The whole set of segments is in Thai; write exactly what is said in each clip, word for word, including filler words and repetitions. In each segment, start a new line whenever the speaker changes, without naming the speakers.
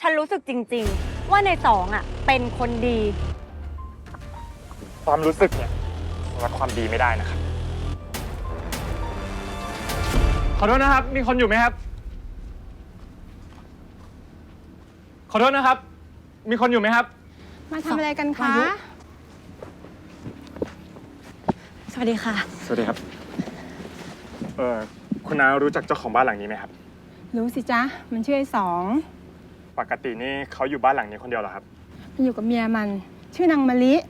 ฉันรู้สึกจริงๆว่าในสองอ่ะเป็นคนดี
ความรู้สึกเนี่ยวัดความดีไม่ได้นะครับขอโทษนะครับมีคนอยู่ไหมครับขอโทษนะครับมีคนอยู่ไหมครับ
มาทำอะไรกันคะ
สวัสดีค่ะ
สวัสดีครับเออคุณน้ารู้จักเจ้าของบ้านหลังนี้ไหมครับ
รู้สิจ๊ะมันชื่อไอ้สอง
ปกตินี่เขาอยู่บ้านหลังนี้คนเดียวเหรอครับ
มันอยู่กับเมียมันชื่อนางมะลิ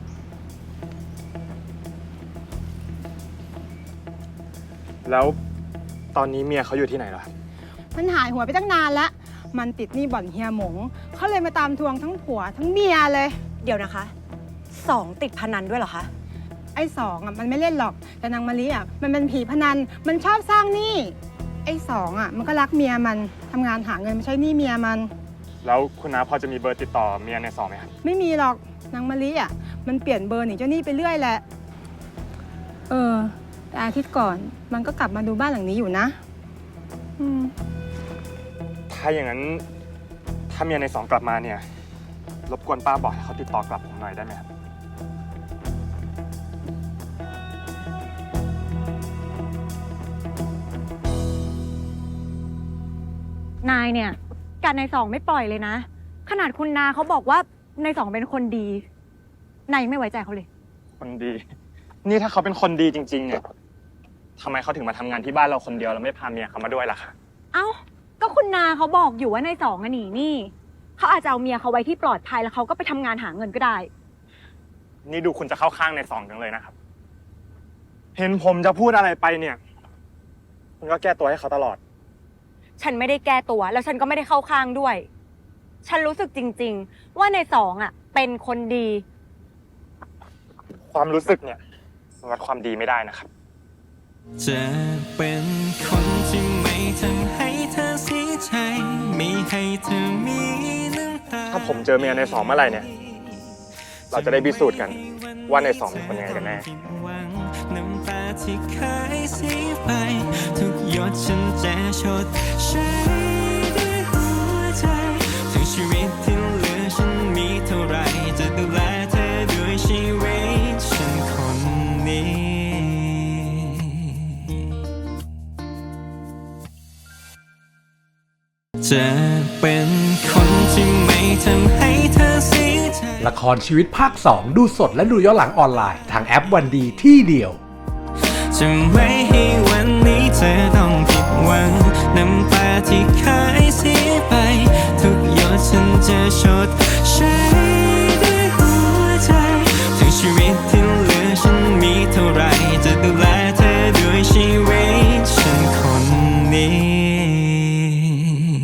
แล้วตอนนี้เมียเขาอยู่ที่ไหนเหรอครับ
มันหายหัวไปตั้งนานละมันติดหนี้บ่อนเฮียหมงเขาเลยมาตามทวงทั้งผัวทั้งเมียเลย
เดี๋ยวนะคะสองติดพนันด้วยเหรอคะ
ไอ้สองอ่ะมันไม่เล่นหรอกแต่นางมะลิอ่ะมันเป็นผีพนันมันชอบสร้างหนี้ไอ้สองอ่ะมันก็รักเมียมันทำงานหาเงินมาใช้หนี้เมียมัน
แล้วคุณน้าพอจะมีเบอร์ติดต่อเมียในสองไหมครับ
ไม่มีหรอกนางมะลิอ่ะมันเปลี่ยนเบอร์หนีเจ้าหนี้ไปเรื่อยแหละเออแต่อาทิตย์ก่อนมันก็กลับมาดูบ้านหลังนี้อยู่นะอืม
ถ้าอย่างนั้นถ้าเมียในสองกลับมาเนี่ยรบกวนป้าบอกให้เขาติดต่อกลับผมหน่อยได้ไหมครับ
นายเนี่ยการในสองไม่ปล่อยเลยนะขนาดคุณนาเขาบอกว่าในสองเป็นคนดีนายไม่ไว้ใจเขาเลย
คนดีนี่ถ้าเขาเป็นคนดีจริงๆเนี่ยทำไมเขาถึงมาทำงานที่บ้านเราคนเดียวแล้วไม่พาเมียเขามาด้วยล่ะคะ
เอ้าก็คุณนาเขาบอกอยู่ว่าในสองอะหนีหนี้เขาอาจจะเอาเมียเขาไว้ที่ปลอดภัยแล้วเขาก็ไปทำงานหาเงินก็ได้
นี่ดูคุณจะเข้าข้างในสองจังเลยนะครับเห็นผมจะพูดอะไรไปเนี่ยคุณก็แก้ตัวให้เขาตลอด
ฉันไม่ได้แก้ตัวแล้วฉันก็ไม่ได้เข้าข้างด้วยฉันรู้สึกจริงๆว่าในสองอ่ะเป็นคนดี
ความรู้สึกเนี่ยวัดความดีไม่ได้นะครับ
จะเป็นคนที่ไม่ทำให้เธอเสียใจไม่ให้เธอมีน้ำตา
ถ้าผมเจอเมียในสองเมื่อไหร่เนี่ยเราจะได้พิสูจน์กันว่าในสองเป็นคนยังไงกันแน่
น้ำตาที่เคยเสียไปทุกหยดฉันจะชดใช้ด้วยหัวใจถึงชีวิตที่เหลือฉันมีเท่าไรจะดูแลเธอด้วยชีวิตฉันคนนี้จะเป็นคนที่ไม่ทำให้เธอเสียใจ
ละครชีวิตภาคสองดูสดและดูย้อนหลังออนไลน์ทางแอปวันดีที่เดียว
จะไม่ให้วันนี้เธอต้องผิดหวังน้ำตาที่เคยเสียไปทุกหยดฉันจะชด